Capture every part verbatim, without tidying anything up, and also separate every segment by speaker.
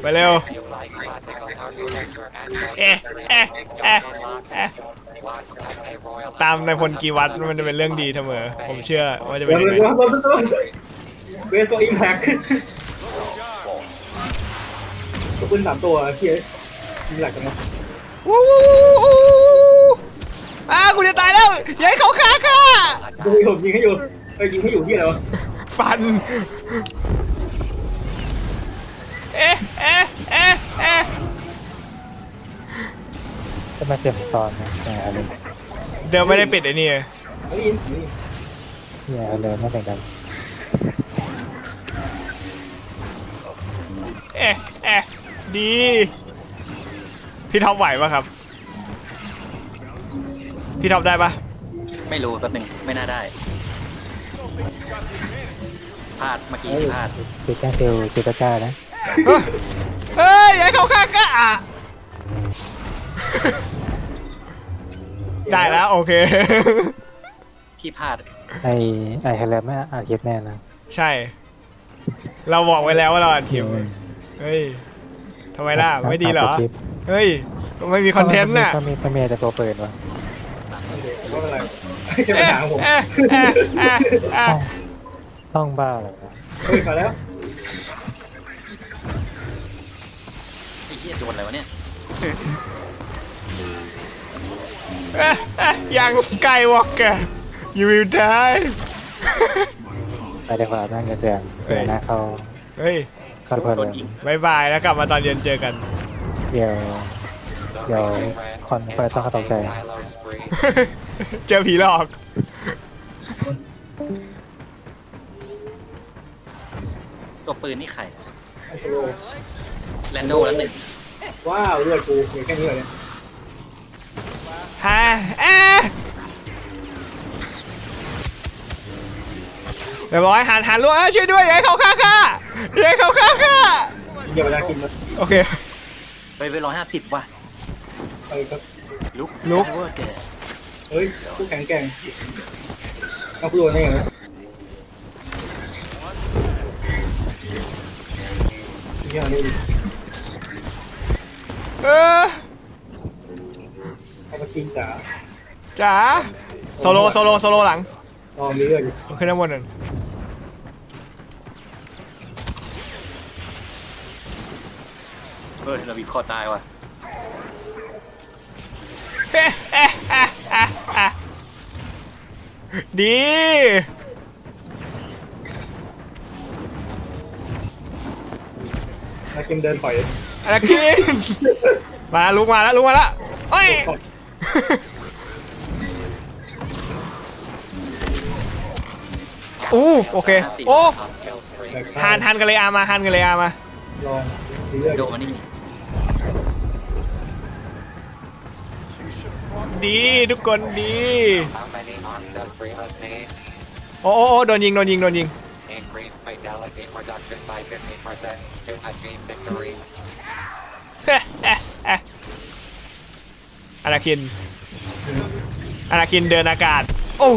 Speaker 1: ไปเร็วเอ๊ะเอ๊ะเอ๊ะเอ๊ะตามในพลกีวัตมันจะเป็นเรื่องดีเสมอผมเชื่อว่าจะเป็นยังไง
Speaker 2: เวสโซอิมแพคตัวปืนสามตัวเฮียยิงหลักกันเนาะ
Speaker 1: วู้วู้วู้อ้ากูจะตายแล้วยัยเขาฆ่าค่ะ
Speaker 2: ดูผมยิงให้อยู่ไปยิงให้อยู่ที่อะไรวะ
Speaker 1: ฟันเอ๊ะเอ๊ะเอ๊ะเอ๊ะ
Speaker 3: จะมาเสียงซ้อนนะอะไร
Speaker 1: เดี๋ยวไม่ได้ปิดไอ้นี่
Speaker 2: ไม่ยิน
Speaker 3: เนี่ยอะไรไม่เหมือนกัน
Speaker 1: เอ๊ะเอ๊ะดีพี่ท็อปไหวปะครับพี่ท็อปได้ปะ
Speaker 4: ไม่รู้แป๊บนึงไม่น่าได้พลาดเมื่อกี้ที่พลาด
Speaker 3: คือแค่เซลล์เซลล์ก้านะ
Speaker 1: เฮ้ยอย่าเขาฆ่าก้าได้แล้วโอเค
Speaker 4: ที่พลาด
Speaker 3: ไอไอเฮเลไม่อาคิดแน่นะ
Speaker 1: ใช่เราบอกไว้แล้วว่าเราอัดคลิปเฮ้ยทำไมล่ะไม่ดีเหรอเฮ้ยไม่มีคอนเทนต์น่ะ
Speaker 3: ก็มีก็มีแต่ตัวเปิดวะ
Speaker 2: ใช่ไหมถามผม
Speaker 3: ต้องบ้าเลยนะ
Speaker 2: เฮ้ยมาแล้ว
Speaker 4: ไอ้เหี้ยโดนอะไรวะเนี่ย
Speaker 1: ยังสกายวอล์กเกอร์ you will die
Speaker 3: ไปเดี๋ยวขอนั่งกันเสียงเสียงหน้าเขา
Speaker 1: เฮ้ย
Speaker 3: เข้าเพลิน
Speaker 1: บายบายแล้วกลับมาตอนเย็นเจอกัน
Speaker 3: เดี๋ยวเดี๋ยวคนเปิดต้องเขาตกใจ
Speaker 1: เจอผีหลอก
Speaker 4: ตัวปืนนี่ใครแลนโดแล้วหนึ่ง
Speaker 2: ว้าวเลือดกูเหลือแค่นี้เลย
Speaker 1: ฮะเอ๊ะเดี๋ยวบอกให้หันหันลูกช่วยด้วยอย่าให้เขาฆ่าข้าอย่าให้เขาฆ่าข้า
Speaker 2: อย่าไปได้กินมัน
Speaker 1: โอเค
Speaker 4: ไปไปร้อยห้าสิบว่ะ
Speaker 2: ไปครับ
Speaker 4: ลุก
Speaker 1: ลุก
Speaker 2: เฮ้ยผู้แข็งแกร่งเอาผู้โดนได้ยังไงยังนี่
Speaker 1: เออ
Speaker 2: เอาไปกินจ๋า
Speaker 1: จ๋าโซโลโซโลโซโลหลัง
Speaker 2: อ๋อมีเลือดอยู่
Speaker 1: ขึ้นน้ำมันหนึ่ง
Speaker 4: เฮ้ยเราบีบคอตายว่ะ
Speaker 1: ดี
Speaker 2: อาคิมเดินถอย
Speaker 1: อาคิมมาลุกมาแล้วลุกมาแล้วเฮ้ยอู้โอเคโอ้ฮันฮันกันเลยอามาฮันกันเลยอามา
Speaker 2: ลอง
Speaker 4: โดนมานี่
Speaker 1: ดีทุกคนดีโอ้โอ้โดนยิงโดนยิงโดนยิงอาราคินอาราคินเดินอากาศโอ้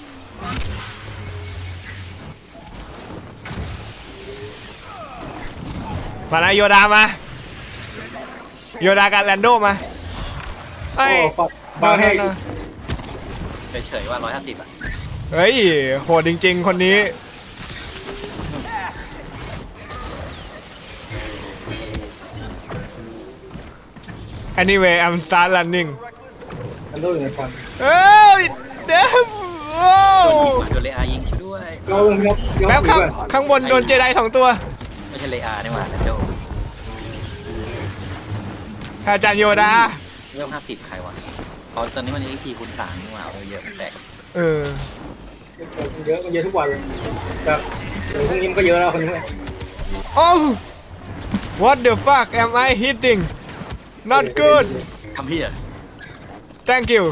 Speaker 1: มาแล้วโยดามาโยดากับแลนโดมา
Speaker 2: ไอ้บ้าให้
Speaker 4: เฉยๆว่าร้อยห้าสิบอ่ะ
Speaker 1: เฮ้ยโหดจริงๆคนนี้anyway I'm start running
Speaker 2: แลนโดอยู่ในฟัน
Speaker 1: เอ้ยเดี๋ยวโอ้
Speaker 4: โดนเลอายิงช่วยด้วย
Speaker 1: แป๊บข้างข้างบนโดนเจไดสองตัว
Speaker 4: ไม่ใช่เลอานี่หว่าแลนโด
Speaker 1: อาจารย์โยดา
Speaker 4: เริ่มห้าสิบใครวะตอนตอนนี้มันเอ็กพีคูณสามนี่หว่าเยอะแปลก
Speaker 1: เออ
Speaker 2: เยอะมันเยอะทุกวันเลยแต่เดี๋ยวพรุ่งนี้มันก็เยอะแล้วคนนี้
Speaker 1: โอ้ what the fuck am I hitting not good
Speaker 4: ทำเพี้ย
Speaker 1: thank you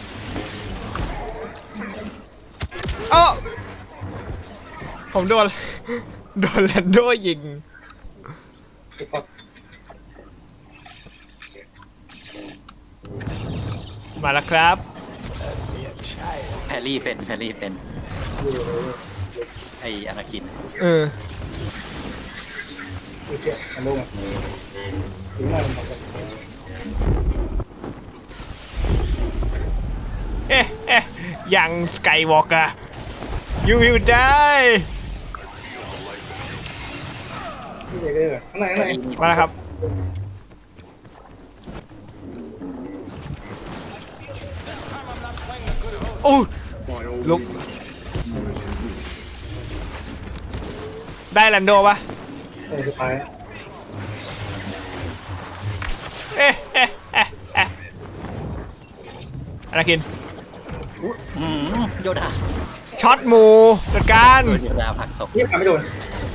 Speaker 1: โอ้ผมโดนโดนแลนโดยิงมาแล้วครับ
Speaker 4: แพรรี่เป็นแพรรี่เป็นไออนาคิน
Speaker 1: เออ
Speaker 2: ดูเชี่ยมันลงอ่ะถึงหน้ามันบอก
Speaker 1: เอ๊ะเอ๊ะยังสกายวอล์กอะ you will die
Speaker 2: นี่เด็กเลยข้างในข้างใน
Speaker 1: มาแล้วครับโอ้ลุกได้แลนโดปะ
Speaker 2: เออสุดท้าย
Speaker 1: เอ๊ะเอ๊ะเอ๊ะเอ๊ะอะไรกิน
Speaker 4: อืมโยดา
Speaker 1: ช็อตหมูจัดการ
Speaker 4: โดนโยดาผลักตก
Speaker 2: นี่ทำไม่โดน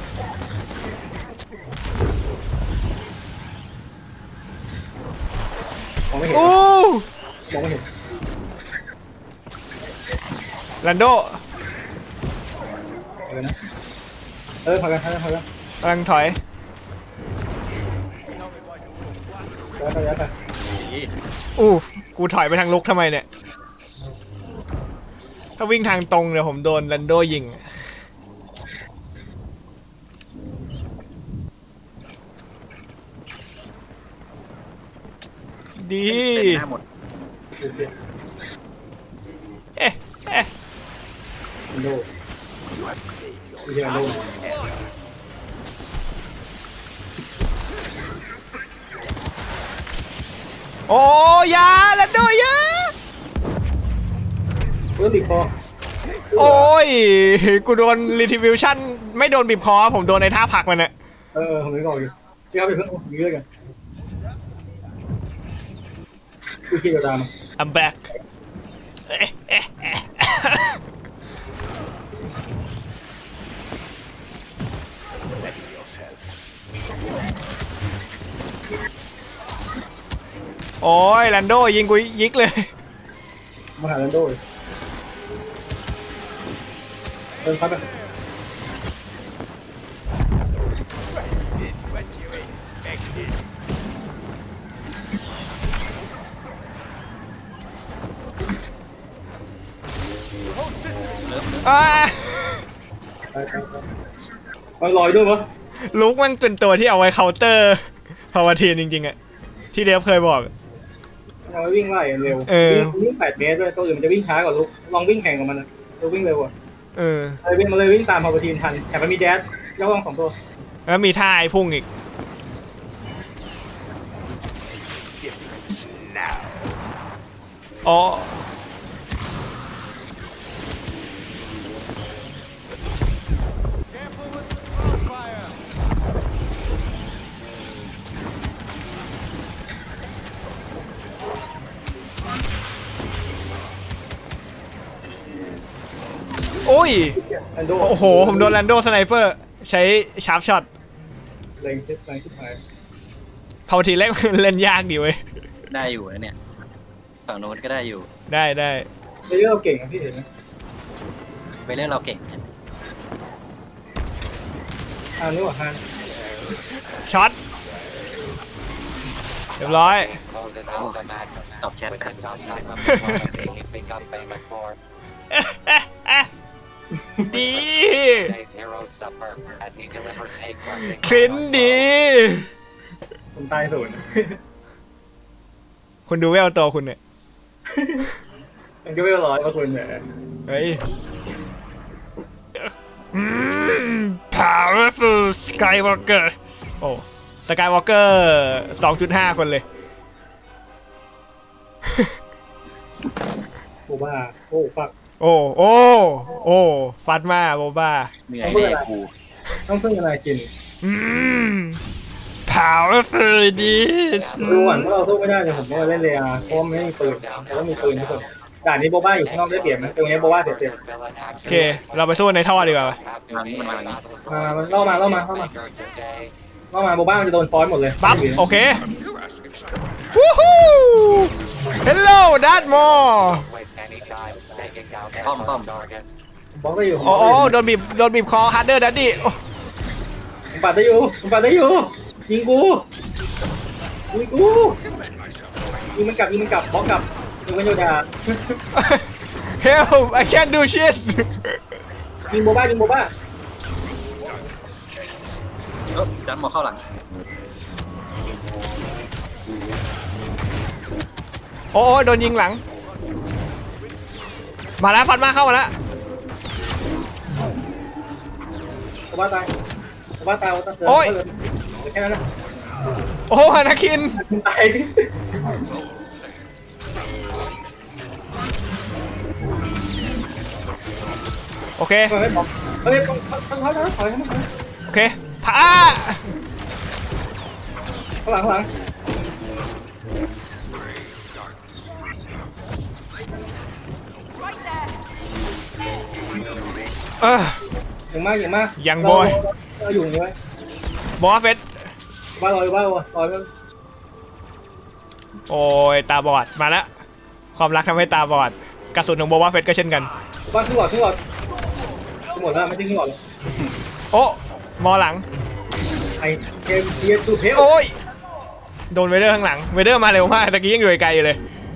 Speaker 2: มองไม่เห็น
Speaker 1: อู้
Speaker 2: มองไม่เห็น
Speaker 1: แลนโด
Speaker 2: เออนะเออพอกันพอกันพอกัน
Speaker 1: กำลังถอย
Speaker 2: ย้ายไปย้ายไป
Speaker 1: อู้กูถอยไปทางลุกทำไมเนี่ย ถ้าวิ่งทางตรงเดี๋ยวผมโดนแลนโดยิง ดี
Speaker 4: เป็นหน้าหมด
Speaker 2: ดูเชี่ย
Speaker 1: เอ๊ะเอ๊ะ
Speaker 2: มันโดนดูเชี่ยมันโดน
Speaker 1: โอ้ยาแลนโดยา
Speaker 2: เพื่อบีบคอ
Speaker 1: โอ้ย กูโดนรีทิวิชั่นไม่โดนบีบคอ ผมโดนในท่าผลักมันอะ
Speaker 2: เออผมนึกออกอยู่พี่เอาไปเพิ่งยืดกันดูเชี่ยดาม
Speaker 1: I'm back เอ๊ะเอ๊ะเอ๊ะโอ้ยแลนโดยิงกูยิกเลย
Speaker 2: มาหาแลนโดเลยเดินพัดไป
Speaker 1: อ่า
Speaker 2: ไปไปไปมันลอยด้วยมั้ย
Speaker 1: ลุกมันเป็นตัวที่เอาไว้เคาน์เตอร์พาวทีนจริงๆอะที่เดฟเคยบอก
Speaker 2: เอาไว้วิ่งไล่เร็ว
Speaker 1: เออ
Speaker 2: วิ่งแปดเมตรด้วยตัวอื่นมันจะวิ่งช้ากว่าลูกลองวิ่งแข่งกับมันนะตัววิ่งเร็วกว่า
Speaker 1: เออ
Speaker 2: เลยวิ่งมาเลยวิ่งตามพาวเวอร์ทีมทันแต่มันมีแดชย่อลองสองตัว
Speaker 1: แล้วมีท่าไอ้พุ่งอีกอ๋อโอ้ย
Speaker 2: แอนโด
Speaker 1: โอ้โห ผมโดนแลนโดสไนเปอร์ ใช้ชาร์ปช็อต
Speaker 2: แรงชิดแรงชิดหาย
Speaker 1: พาวทีเล่น เล่นยากดีเว้ย
Speaker 4: ได้อยู่นะเนี่ยฝั่งโน้นก็ได้อยู่
Speaker 1: ได้ได้
Speaker 2: เลเยอร์เราเก่งอะพี่เห็นไหม
Speaker 4: ไปเล่นเราเก่ง
Speaker 2: อ่านึกว่าฮัน
Speaker 1: ช็อต เรียบร้อย
Speaker 4: ตอบแชทแบบ
Speaker 1: ดี คลินดี
Speaker 2: ผมตายศูนย์
Speaker 1: คุณดูเวลตัวคุณเนี่ย
Speaker 2: มันก็ไม่ร้อยว่าคุณเนี่ย
Speaker 1: เฮ้ย powerful skywalker โอ้ skywalker สองจุดห้า คนเลย
Speaker 2: โบบ้าโอ้ฟัก
Speaker 1: โอ้ โอ้ โอ้ ฟัดมาโบบ้า
Speaker 4: เหนื่อยแน่กู
Speaker 2: ต้องพึ่งอะไรกิน
Speaker 1: อืม powerful ดี
Speaker 2: ดูก่อนว่าเราสู้ไม่ได้แต่ผมว่าเล่นเรียเพราะมันไม่มีปืนแต่ต้องมีปืนทุกคนด่านนี้โบบ้าอยู่ข้างนอกได้เปรียบนะตรงนี้โบบ้าเสียเปรียบ
Speaker 1: โอเค เราไปสู้ในท่อดีกว่า
Speaker 4: มานี้มันมานี้
Speaker 2: มามันล่อมาล่อมาล่อมาล่อมาโบบ้ามันจะโดนฟอนหมดเลย
Speaker 1: ปั๊บ โอเค วู้ฮู้ hello that more
Speaker 4: ป้อมป้อม
Speaker 2: บล็อกได้อยู่
Speaker 1: โอ้โอ้โดนบีบ โดนบีบคอ harder daddy โอ้
Speaker 2: ผมปัดได้อยู่ผมปัดได้อยู่ยิงกูยิงกูยิงมันกลับยิงมันกลับบล็อกกลับยิงมันโยดา
Speaker 1: help I can't do shit
Speaker 2: ยิงโบบ้ายิงโบบ้า
Speaker 4: เออดันหมอเข้าหลัง
Speaker 1: โอ้ยโดนยิงหลังมาแล้วฟันมาเข้ามาแล้ว
Speaker 2: ผมว่าตายผมว่าตายผมว่าตาย
Speaker 1: โอ้ย
Speaker 2: แค่นั้นนะ
Speaker 1: โอ้ฮานาคิน
Speaker 2: ตาย
Speaker 1: โอเค
Speaker 2: เฮ้ยบอกเฮ้ยต้องต้องถอยถอยให้มัน
Speaker 1: โอเคพา
Speaker 2: ข้างหลังข้างหลัง
Speaker 1: เออ
Speaker 2: อย่างมากอย่างมาก
Speaker 1: อย่างบอย
Speaker 2: เราอยู่อย่างนี้ไว้
Speaker 1: บอสเฟส
Speaker 2: ว่าลอยว่าลอย
Speaker 1: โอ้ยตาบอดมาแล้วความรักทำให้ตาบอดกระสุนของโบวาเฟสก็เช่นกัน
Speaker 2: ว่าขึ้นหลอดขึ้นหลอดขึ้นหมดแล้วไม่ใช่ขึ้นหลอด
Speaker 1: โอ้มอหลัง
Speaker 2: ไอเกมเกียร์ตูเทล
Speaker 1: โอ้ยโดนเวเดอร์ข้างหลังเวเดอร์มาเร็วมากตะกี้ยังอยู่ไกลอยู่เลย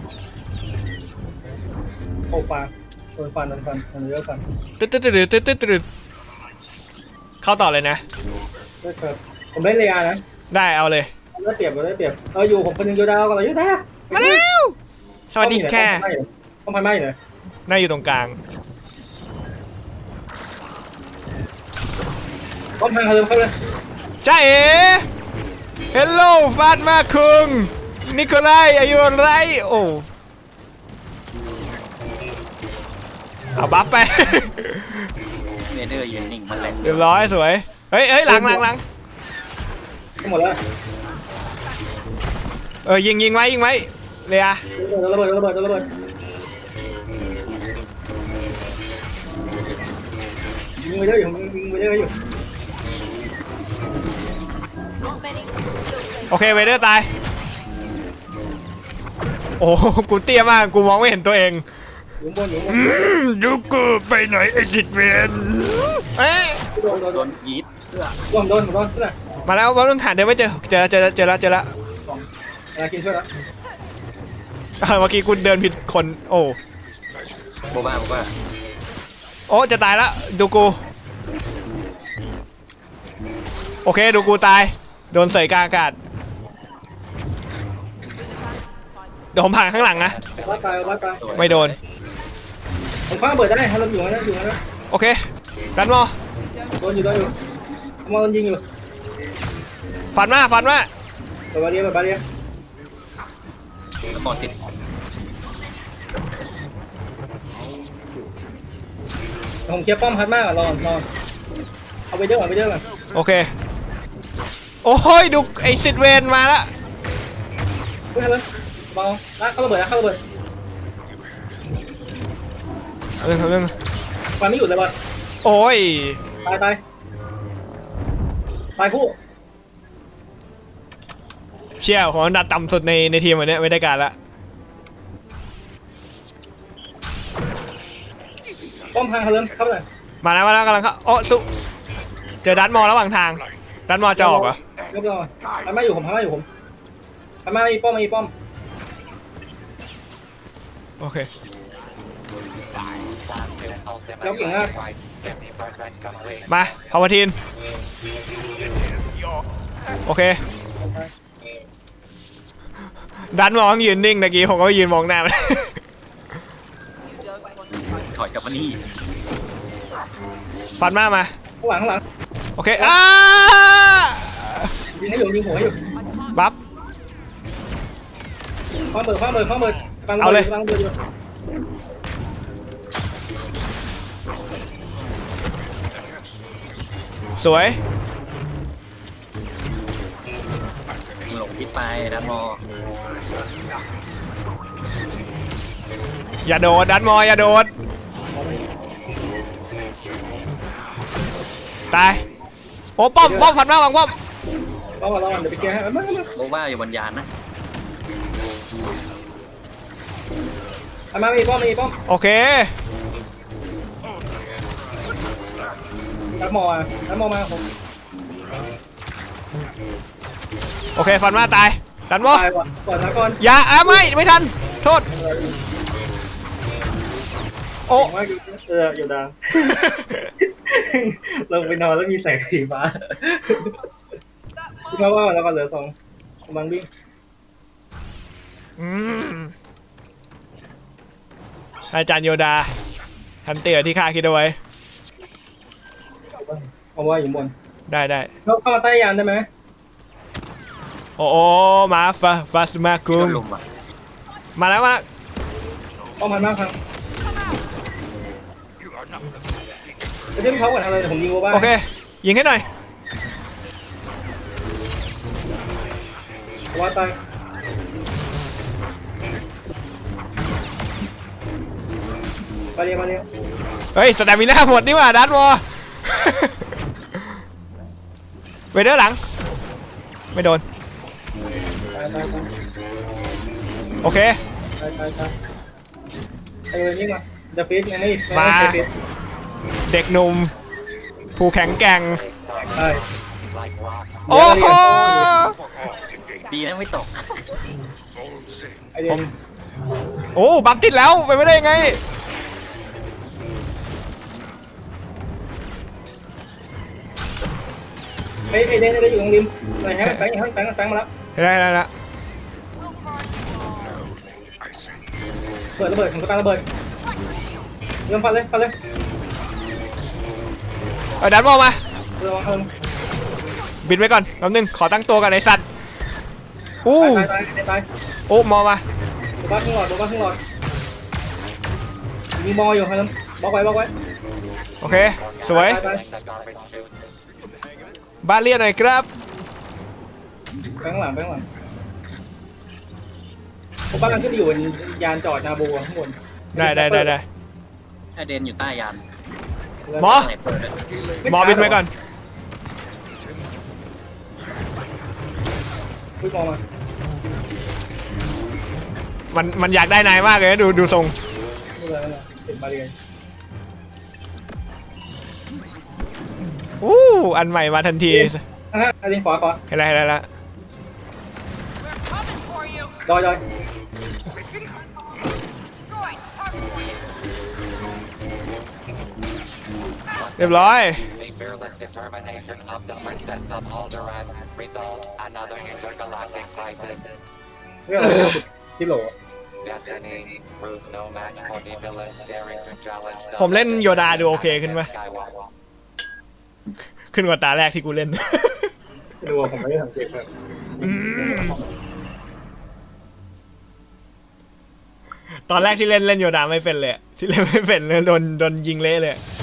Speaker 2: โอ้ฟันโดนฟันโดนฟันโดนเยอะฟัน
Speaker 1: ตึ๊ดตึ๊ดตึ๊ดตึ๊ดตึ๊ดตึ๊ดเข้าต่อเลยนะ
Speaker 2: ได้ครับผมได้เรียนะ
Speaker 1: ได้เอาเลย
Speaker 2: ได้เปรียบได้เปรียบเอออยู่ผมคนนึงโยดาวกันเลยโยดา
Speaker 1: มาแล้วสวัสดีค่ะ
Speaker 2: ต้องพันไม้เลย
Speaker 1: น่าอยู่ตรงกลาง
Speaker 2: ต้องพันเขาเลยเข้าเลย
Speaker 1: จ้าเอ๋เฮลโลฟาดมาคุงนิโคลายอายุไรโอ้เอาบัฟไป
Speaker 4: เวเดอร์ยืนนิ่งมันแหลก
Speaker 1: เรียบร้อยสวยเฮ้ยเฮ้ยหลังหลังหลัง
Speaker 2: หมดแล้ว
Speaker 1: เออยิงยิงไว้ยิงไว้เลีย
Speaker 2: ระเบิดระเบิดระเบิดยิงไปเยอะอยู่ยิงไปเยอะอยู่
Speaker 1: โอเคเวเดอร์ตายโอ้กูเตี้ยมากกูมองไม่เห็นตัวเอง
Speaker 2: อยู่บนอยู่บน
Speaker 1: ดูกูไปไหนไอสิทธิ์เวนเอ๊ะ
Speaker 2: โดนโดน
Speaker 4: โดนยีดเพื่อ
Speaker 2: โดนโดนโดนขึ้นเลย
Speaker 1: มาแล้วว่าต้องหาเดินไม่เจอเจอเจอเจอแล้วเจอแล้ว
Speaker 2: อะไรกินช่วยแล้ว
Speaker 1: เมื่อกี้กูเดินผิดคนโอ้
Speaker 4: โบบ้าโบบ้า
Speaker 1: โอ้จะตายแล้วดูกูโอเคดูกูตายโดนเสยกลางอากาศเดี๋ยวผมผ่านข้างหลังนะ
Speaker 2: ว่าตายว่าตาย
Speaker 1: ไม่โดน
Speaker 2: ผมคว้าเบิดได้ถ้าเราอยู่นะอยู่นะ
Speaker 1: โอเคดันมอ
Speaker 2: โดนอยู่โดนอยู่มองโดนยิงอยู่
Speaker 1: ฟันมาฟันมา
Speaker 2: เปิดบาเรียเปิดบาเรีย
Speaker 4: แล้วบอลติด
Speaker 2: ผมเคลียร์ป้อมพัดมากอ่ะรอรอเอาไปเด้อเอาไปเด้อก่อน
Speaker 1: โอเคโอ้ยดูไอสิทธิ์เวนมาแล้ว
Speaker 2: พูดให้เลยเบาลากเข้าระเบิดลากเข้าระเบิด
Speaker 1: เรื่องเรื่อง
Speaker 2: ฟันไม่หยุดเลยบอล
Speaker 1: โอ้ย
Speaker 2: ตายตายตายคู่
Speaker 1: เชี่ยของอันดับต่ำสุดในในทีมวันนี้ไม่ได้การละ
Speaker 2: ป้อมพังเขาเริ่มเข้าเลย
Speaker 1: มาแล้วมาแล้วกำลังเข้าโอ้สุเจอดันมอระหว่างทางดันมอจะออกเหรอย
Speaker 2: กรอพันมาอยู่ผมพันมาอยู่ผมพันมามีป้อมมีป้อม
Speaker 1: โอเค
Speaker 2: แล้วเก่งมาก
Speaker 1: มาพาวทีนโอเคดันมองยืนนิ่งตะกี้ผมก็ยืนมองหน้ามัน
Speaker 4: ถอยกลับมานี่
Speaker 1: ฟันมามา
Speaker 2: ข้างหลังข้างหลัง
Speaker 1: โอเคอ้า
Speaker 2: ยิงให้อยู่ยิงหัวให้อยู่
Speaker 1: บัฟ
Speaker 2: คว้าเบิดคว้าเบิดคว้าเบิดฟังเบิดฟังเบิดอยู่
Speaker 1: สวย
Speaker 4: หลงพิษไปดันมอ
Speaker 1: อย่าโดดดันมออย่าโดดตายโอ้ป้อมป้อมฟันมาวางป้อม
Speaker 2: รอก่อนรอก่อนเดี๋ยวไปเคลียร์ให้มามา
Speaker 4: โบบ้าอยู่บนยานนะ
Speaker 2: พันมามีป้อมมีป้อม
Speaker 1: โอเค
Speaker 2: นักมออ่ะนักมอมาผม
Speaker 1: โอเคฟันมาตายดันมอ
Speaker 2: ตายก่อนก่อนนะก่อน
Speaker 1: อย่าอ่ะไม่ไม่ทันโทษโอ้
Speaker 2: ผมว่าเอออยู่ดังลงไปนอนแล้วมีแสงสีฟ้าคิดว่าว่าแล้วก็เหลือสองกำลังวิ่ง
Speaker 1: อืมอาจารย์โยดาทันเตียที่ข้าคิดเอาไว้
Speaker 2: เอาว่าอยู่บน
Speaker 1: ได้ได้
Speaker 2: เข้าเข้ามาใต้ยานได้ไหม
Speaker 1: โอ้โอมาฟาฟาสมา
Speaker 4: ที่
Speaker 1: กุ
Speaker 4: โด
Speaker 1: ม
Speaker 4: นลุมอ่ะ
Speaker 1: มาแล้วมา
Speaker 2: ป้องพันมากครับไปเชื่อมเขาก่อนทำเลยเดี๋ยวผมยิงโบบ้า
Speaker 1: โอเคยิงให้หน่อย
Speaker 2: ว่าตายมาเรียมาเรีย
Speaker 1: เฮ้ยสแตมิน่าหมดนี่หว่าดันวอ เวเดอร์หลังไม่โดน
Speaker 2: ตายตายตาย
Speaker 1: โอเค
Speaker 2: ตายตายตายไอ้เวรนี่มาเดอะฟิสไงนี่
Speaker 1: มา
Speaker 2: ไอ้ฟิส
Speaker 1: เด็กหนุ่มผู้แข็งแกร่ง
Speaker 2: ใช่
Speaker 1: โอ้โห
Speaker 4: ดีนะไม่ตก
Speaker 2: ไอเดีย
Speaker 1: ผมโอ้บักติดแล้วไปไม่ได้ยังไง
Speaker 2: ไอ้ไอเดียได้อยู่ตรงริมไหนฮะแบงค์แบงค์แบงค์แบงค์มาแล้ว
Speaker 1: ได้ได้แล้ว
Speaker 2: เปิดระเบิดของสตาร์ระเบิดเริ่มฟันเลยฟันเลย
Speaker 1: เอาดันวอมา
Speaker 2: เริ่มเริ่ม
Speaker 1: บินไว้ก่อนแป๊บนึงขอตั้งตัวกันไอ้สัตว์อู้
Speaker 2: ตายตายตายตาย
Speaker 1: โอ้มอมา
Speaker 2: โบบ้าขึ้นหลอดโบบ้าขึ้นหลอดมีมออยู่ครับบล็อกไว้บล็อกไว้
Speaker 1: โอเคสวย
Speaker 2: ตายตาย
Speaker 1: บ้านเรียนหน่อยครับ
Speaker 2: แบงค์หลังแบงค์หลังผมบ้านขึ้นไปอยู่บนยานจอดนาโบข้างบน
Speaker 1: ได้ได้ได้ได้
Speaker 4: ไอเดนอยู่ใต้ยาน
Speaker 1: หมอ
Speaker 4: ไหนเปิดเลย
Speaker 1: หมอบินไว้ก่อน
Speaker 2: วิ่งมอมา
Speaker 1: มันมันอยากได้นายมากเลยนะดูดูทรง
Speaker 2: ไม่เป็นไรไม่เป็นไรเห็นบาเรียน
Speaker 1: อู้อันใหม่มาทันที
Speaker 2: อ่ะฮะอันนี้ขวาขวา
Speaker 1: เห็นแล้วเห็นแล้วละ
Speaker 2: ดอยดอย
Speaker 1: เรียบร้อย
Speaker 5: The fearless determination of the Princess of Alderaan resolved another intergalactic crisis.
Speaker 2: เรื่องอะไรที่โหล
Speaker 5: Destiny proved no match for the villains daring to challenge the
Speaker 1: ผมเล่นโยดาดูโอเคขึ้นไหม
Speaker 5: Skywalker.
Speaker 1: ขึ้นกว่าตาแรกที่กูเล่น
Speaker 2: ไม่รู้ว่าผมไม่ได้สังเกตครับ
Speaker 1: อืมตอนแรกที่เล่นเล่นโยดาไม่เป็นเลยอะที่เล่นไม่เป็นเลยโดนโดนยิงเละเลยอะ